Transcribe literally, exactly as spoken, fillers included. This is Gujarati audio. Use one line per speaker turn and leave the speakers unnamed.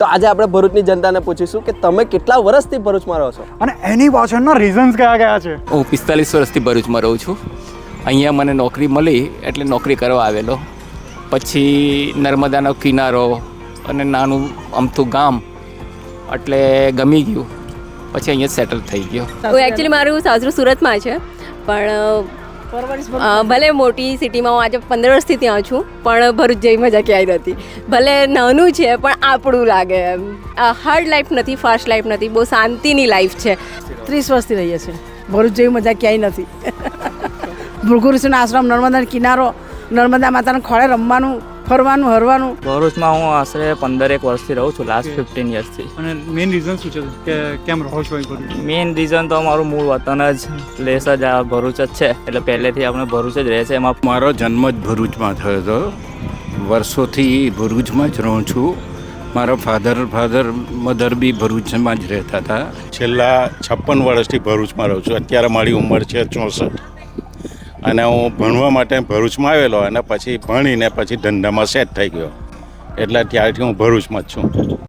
તો આજે આપણે ભરૂચની જનતાને પૂછીશું કે તમે કેટલા વર્ષથી ભરૂચમાં રહો છો
અને એની પાછળના રીઝન્સ કયા કયા છે.
હું પિસ્તાલીસ વર્ષથી ભરૂચમાં રહું છું. અહીંયા મને નોકરી મળી એટલે નોકરી કરવા આવેલો. પછી નર્મદાનો કિનારો અને નાનું અમથું ગામ એટલે ગમી ગયું. પછી અહીંયા સેટલ થઈ ગયો.
એકચ્યુઅલી મારું સાસરું સુરતમાં છે, પણ ભલે મોટી સિટીમાં હું આજે પંદર વર્ષથી ત્યાં છું, પણ ભરૂચ જેવી મજા ક્યાંય નથી. ભલે નાનું છે પણ આપણું લાગે એમ. હાર્ડ લાઈફ નથી, ફાસ્ટ લાઈફ નથી, બહુ શાંતિની લાઈફ છે.
ત્રીસ વર્ષથી રહીએ છીએ. ભરૂચ જેવી મજા ક્યાંય નથી. ભૃગુઋષિનો આશ્રમ, નર્મદાનો કિનારો, નર્મદા માતાના ખોળે રમવાનું, ફરવાનું, હરવાનું.
ભરૂચમાં હું આશરે પંદરેક વર્ષથી રહું છું, લાસ્ટ ફિફ્ટીન યર્સથી.
અને મેઇન રીઝન શું છે કે કેમ રહો છો અહીં ભરૂચ?
મેઇન રીઝન તો અમારું મૂળ વતન જ પ્લેસ જ આ ભરૂચ જ છે, એટલે પહેલેથી આપણે ભરૂચ જ રહે છે. એમાં
મારો જન્મ જ ભરૂચમાં થયો હતો. વર્ષોથી ભરૂચમાં જ રહું છું. મારા ફાધર ફાધર મધર બી ભરૂચમાં જ રહેતા હતા.
છેલ્લા છપ્પન વર્ષથી ભરૂચમાં રહું છું. અત્યારે મારી ઉંમર છે ચોસઠ અને હું ભણવા માટે ભરૂચમાં આવેલો અને પછી ભણીને પછી ધંધામાં સેટ થઈ ગયો. એટલે ત્યારથી હું ભરૂચમાં જ છું.